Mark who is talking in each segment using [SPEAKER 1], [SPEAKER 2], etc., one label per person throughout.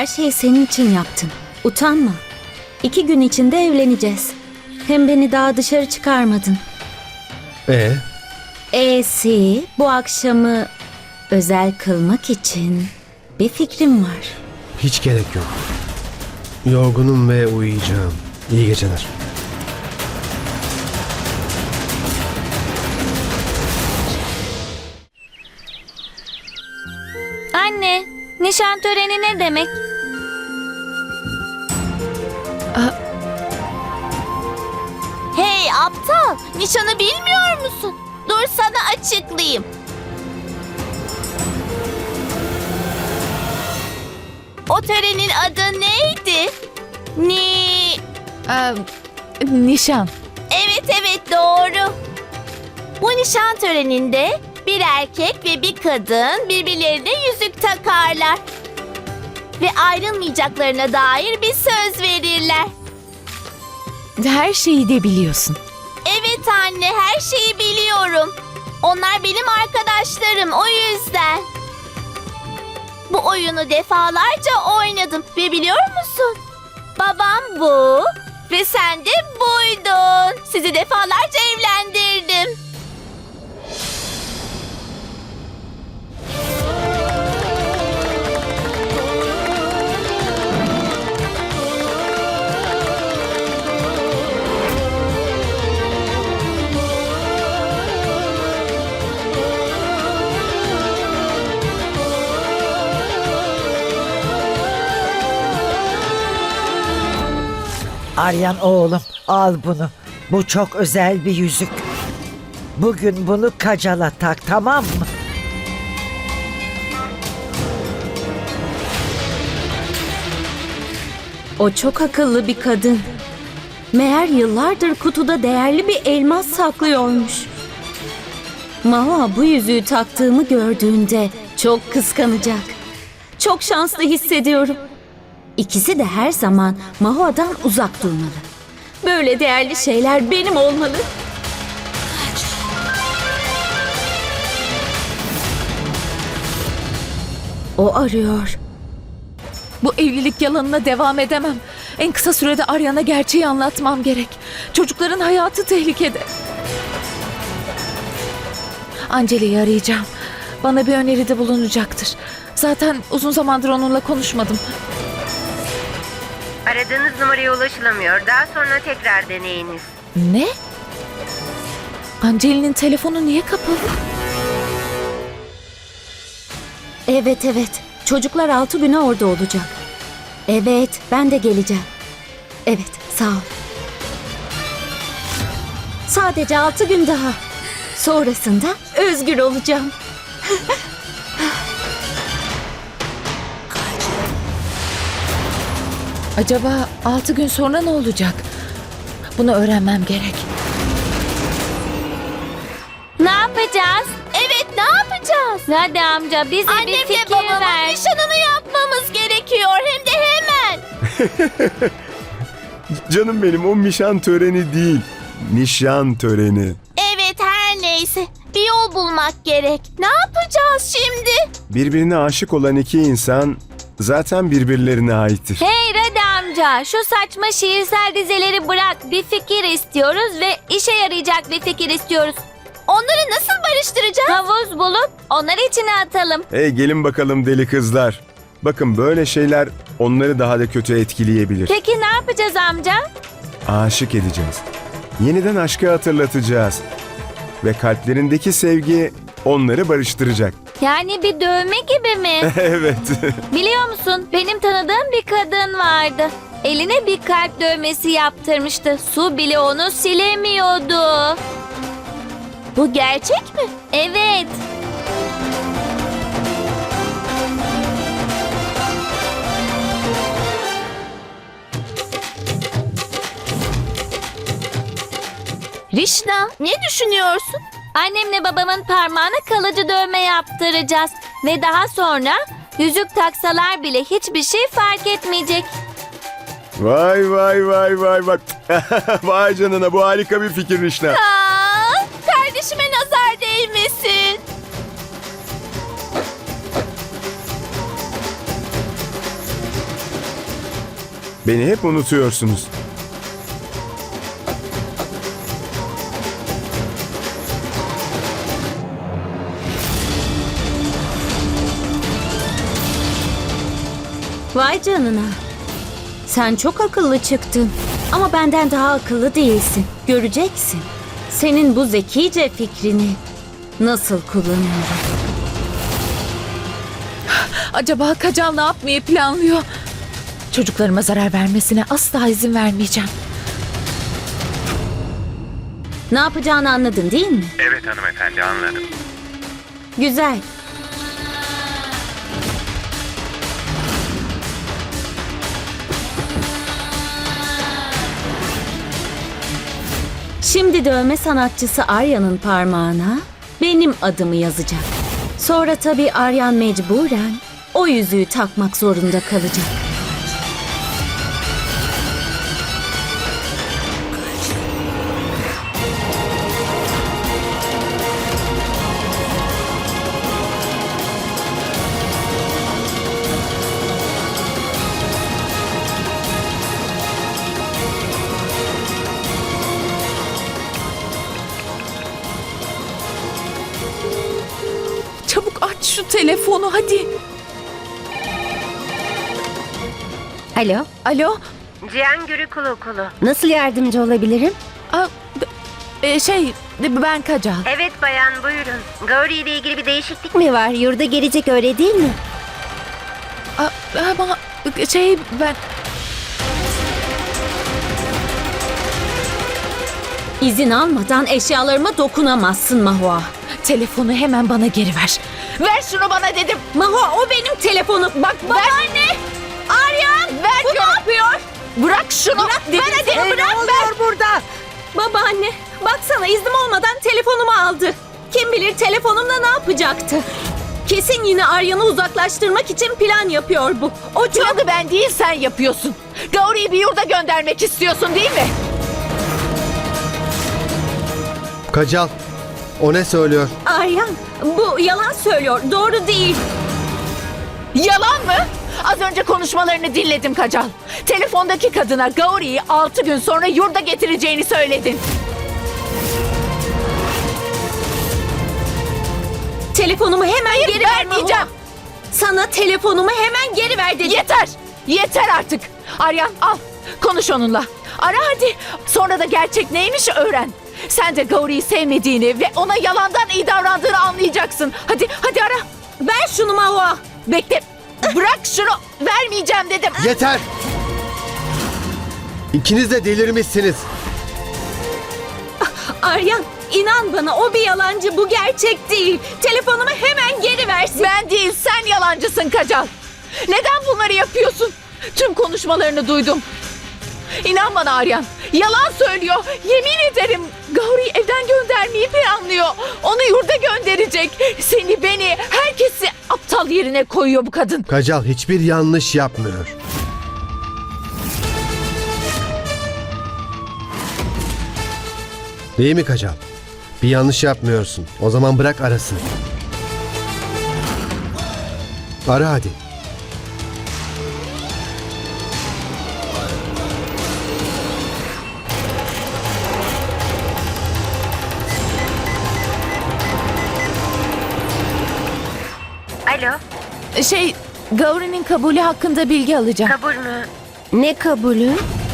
[SPEAKER 1] Her şeyi senin için yaptım. Utanma. 2 gün içinde evleneceğiz. Hem beni daha dışarı çıkarmadın. Bu akşamı özel kılmak için bir fikrim var.
[SPEAKER 2] Hiç gerek yok. Yorgunum ve uyuyacağım. İyi geceler.
[SPEAKER 1] Anne, nişan töreni ne demek?
[SPEAKER 3] Hey aptal, nişanı bilmiyor musun? Dur sana açıklayayım. O törenin adı neydi?
[SPEAKER 4] Nişan.
[SPEAKER 3] Evet doğru. Bu nişan töreninde bir erkek ve bir kadın birbirlerine yüzük takarlar. Ve ayrılmayacaklarına dair bir söz verirler.
[SPEAKER 4] Her şeyi de biliyorsun.
[SPEAKER 3] Evet anne, her şeyi biliyorum. Onlar benim arkadaşlarım, o yüzden. Bu oyunu defalarca oynadım ve biliyor musun? Babam bu ve sen de buydun. Sizi defalarca evlendirdim.
[SPEAKER 5] Aryan oğlum, al bunu. Bu çok özel bir yüzük. Bugün bunu Kacal'a tak, tamam mı?
[SPEAKER 1] O çok akıllı bir kadın. Meğer yıllardır kutuda değerli bir elmas saklıyormuş. Mahua bu yüzüğü taktığımı gördüğünde çok kıskanacak. Çok şanslı hissediyorum. İkisi de her zaman Mahua'dan uzak durmalı. Böyle değerli şeyler benim olmalı. O arıyor.
[SPEAKER 4] Bu evlilik yalanına devam edemem. En kısa sürede Aryan'a gerçeği anlatmam gerek. Çocukların hayatı tehlikede. Anceli'yi arayacağım. Bana bir öneride bulunacaktır. Zaten uzun zamandır onunla konuşmadım.
[SPEAKER 6] Aradığınız numaraya ulaşılamıyor. Daha sonra tekrar deneyiniz.
[SPEAKER 4] Ne? Anceli'nin telefonu niye kapalı?
[SPEAKER 1] Evet. Çocuklar 6 güne orada olacak. Evet, ben de geleceğim. Evet, sağ ol. Sadece 6 gün daha. Sonrasında özgür olacağım.
[SPEAKER 4] Acaba 6 gün sonra ne olacak? Bunu öğrenmem gerek.
[SPEAKER 3] Ne yapacağız? Evet, ne yapacağız?
[SPEAKER 1] Hadi amca bize bir
[SPEAKER 3] Annem ve
[SPEAKER 1] fikir
[SPEAKER 3] babamın
[SPEAKER 1] ver.
[SPEAKER 3] nişanını yapmamız gerekiyor. Hem de hemen.
[SPEAKER 7] Canım benim, o nişan töreni değil. Nişan töreni.
[SPEAKER 3] Evet, her neyse. Bir yol bulmak gerek. Ne yapacağız şimdi?
[SPEAKER 7] Birbirine aşık olan iki insan zaten birbirlerine aittir.
[SPEAKER 1] Hey Radi amca, şu saçma şiirsel dizeleri bırak. Bir fikir istiyoruz ve işe yarayacak bir fikir istiyoruz.
[SPEAKER 3] Onları nasıl barıştıracağız?
[SPEAKER 1] Havuz bulup onları içine atalım.
[SPEAKER 7] Hey gelin bakalım deli kızlar. Bakın böyle şeyler onları daha da kötü etkileyebilir.
[SPEAKER 1] Peki ne yapacağız amca?
[SPEAKER 7] Aşık edeceğiz. Yeniden aşkı hatırlatacağız. Ve kalplerindeki sevgi onları barıştıracak.
[SPEAKER 1] Yani bir dövme gibi mi?
[SPEAKER 7] Evet.
[SPEAKER 1] Biliyor musun, benim tanıdığım bir kadın vardı. Eline bir kalp dövmesi yaptırmıştı. Su bile onu silemiyordu.
[SPEAKER 3] Bu gerçek mi?
[SPEAKER 1] Evet.
[SPEAKER 3] Rişna, ne düşünüyorsun?
[SPEAKER 1] Annemle babamın parmağına kalıcı dövme yaptıracağız. Ve daha sonra yüzük taksalar bile hiçbir şey fark etmeyecek.
[SPEAKER 7] Vay. Vay canına, bu harika bir fikir Rişna.
[SPEAKER 3] Kardeşime nazar değmesin.
[SPEAKER 7] Beni hep unutuyorsunuz.
[SPEAKER 1] Vay canına. Sen çok akıllı çıktın. Ama benden daha akıllı değilsin. Göreceksin. Senin bu zekice fikrini nasıl kullanıyorum.
[SPEAKER 4] Acaba Kacal ne yapmayı planlıyor? Çocuklarıma zarar vermesine asla izin vermeyeceğim.
[SPEAKER 1] Ne yapacağını anladın değil mi?
[SPEAKER 8] Evet hanımefendi, anladım.
[SPEAKER 1] Güzel. Şimdi dövme sanatçısı Arya'nın parmağına benim adımı yazacak. Sonra tabii Aryan mecburen o yüzüğü takmak zorunda kalacak.
[SPEAKER 4] Çabuk aç şu telefonu hadi.
[SPEAKER 6] Alo,
[SPEAKER 4] Alo?
[SPEAKER 6] Cihan Gürükulu Kulu.
[SPEAKER 1] Nasıl yardımcı olabilirim?
[SPEAKER 4] Aa, ben Kacal.
[SPEAKER 6] Evet bayan, buyurun. Gauri ile ilgili bir değişiklik mi?
[SPEAKER 1] Mi var? Yurda gelecek öyle değil mi?
[SPEAKER 4] Ama ben...
[SPEAKER 1] İzin almadan eşyalarıma dokunamazsın Mahua.
[SPEAKER 4] Telefonu hemen bana geri ver. Ver şunu bana dedim.
[SPEAKER 1] Mahua o benim telefonum. Bak babaanne. Aryan.
[SPEAKER 4] Ver
[SPEAKER 1] Bu ne yapıyor?
[SPEAKER 4] Bırak şunu.
[SPEAKER 1] Bırak dedim sana,
[SPEAKER 5] Ne oluyor burada?
[SPEAKER 1] Babaanne baksana iznim olmadan telefonumu aldı. Kim bilir telefonumla ne yapacaktı? Kesin yine Aryan'ı uzaklaştırmak için plan yapıyor bu. O çok...
[SPEAKER 4] Planı ben değil sen yapıyorsun. Gauri'yi bir yurda göndermek istiyorsun değil mi?
[SPEAKER 2] Kacal, o ne söylüyor?
[SPEAKER 1] Aryan bu yalan söylüyor. Doğru değil.
[SPEAKER 4] Yalan mı? Az önce konuşmalarını dinledim Kacal. Telefondaki kadına Gauri'yi 6 gün sonra yurda getireceğini söyledin.
[SPEAKER 1] Telefonumu hemen geri ver
[SPEAKER 4] vermeyeceğim.
[SPEAKER 1] Mahua. Sana telefonumu hemen geri ver dedim.
[SPEAKER 4] Yeter! Yeter artık! Aryan al, konuş onunla. Ara hadi. Sonra da gerçek neymiş öğren. Sen de Gauri'yi sevmediğini ve ona yalandan iyi davrandığını anlayacaksın. Hadi ara.
[SPEAKER 1] Ver şunu Mahua.
[SPEAKER 4] Bekle. Bırak şunu. Vermeyeceğim dedim.
[SPEAKER 2] Yeter! İkiniz de delirmişsiniz.
[SPEAKER 1] Aryan inan bana o bir yalancı, bu gerçek değil. Telefonumu hemen geri versin.
[SPEAKER 4] Ben değil sen yalancısın Kacal. Neden bunları yapıyorsun? Tüm konuşmalarını duydum. İnan bana Aryan. Yalan söylüyor. Yemin ederim Gauri'yi evden göndermeyi planlıyor. Onu yurda gönderecek. Seni, beni, herkesi aptal yerine koyuyor bu kadın.
[SPEAKER 2] Kacal hiçbir yanlış yapmıyor. Değil mi Kacal? Bir yanlış yapmıyorsun. O zaman bırak arasın. Ara hadi.
[SPEAKER 6] Alo,
[SPEAKER 4] Gauri'nin kabulü hakkında bilgi alacağım.
[SPEAKER 6] kabul mü?
[SPEAKER 1] Ne kabulü?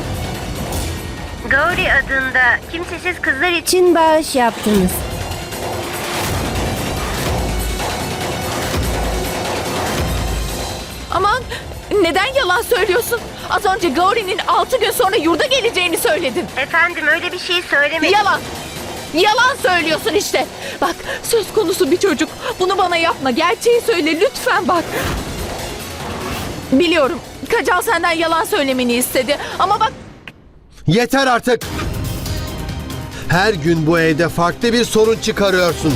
[SPEAKER 6] Gauri adında kimsesiz kızlar için
[SPEAKER 1] Çin bağış yaptınız.
[SPEAKER 4] Aman neden yalan söylüyorsun? Az önce Gauri'nin 6 gün sonra yurda geleceğini söyledin.
[SPEAKER 6] efendim öyle bir şey söylemedim.
[SPEAKER 4] Yalan. Yalan söylüyorsun işte. Bak söz konusu bir çocuk. Bunu bana yapma. Gerçeği söyle lütfen bak. Biliyorum. Kacal senden yalan söylemeni istedi. Ama bak
[SPEAKER 2] Yeter artık! Her gün bu evde farklı bir sorun çıkarıyorsun.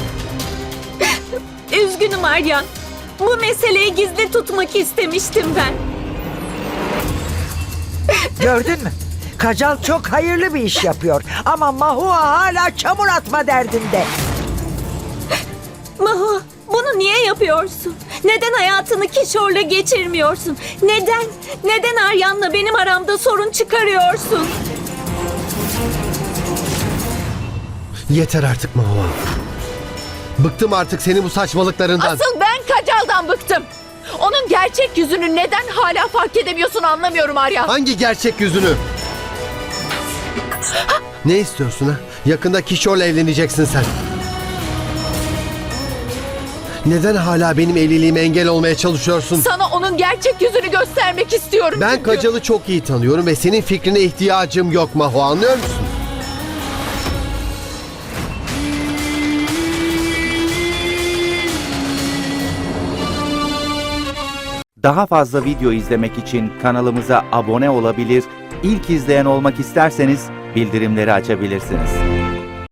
[SPEAKER 1] Üzgünüm Aryan. Bu meseleyi gizli tutmak istemiştim ben.
[SPEAKER 5] Gördün mü? Kacal çok hayırlı bir iş yapıyor. Ama Mahua hala çamur atma derdinde.
[SPEAKER 1] Mahua bunu niye yapıyorsun? Neden hayatını Kişor'la geçirmiyorsun? Neden? Neden Aryan'la benim aramda sorun çıkarıyorsun?
[SPEAKER 2] Yeter artık Mahua. Bıktım artık senin bu saçmalıklarından.
[SPEAKER 4] Asıl ben Kacal'dan bıktım. Onun gerçek yüzünü neden hala fark edemiyorsun anlamıyorum Aryan.
[SPEAKER 2] Hangi gerçek yüzünü? Ne istiyorsun ha? Yakında Kişor'la evleneceksin sen. Neden hala benim evliliğime engel olmaya çalışıyorsun?
[SPEAKER 4] Sana onun gerçek yüzünü göstermek istiyorum.
[SPEAKER 2] Ben
[SPEAKER 4] çünkü.
[SPEAKER 2] Kacal'ı çok iyi tanıyorum ve senin fikrine ihtiyacım yok Mahua, anlıyor musun?
[SPEAKER 8] Daha fazla video izlemek için kanalımıza abone olabilir, ilk izleyen olmak isterseniz bildirimleri açabilirsiniz.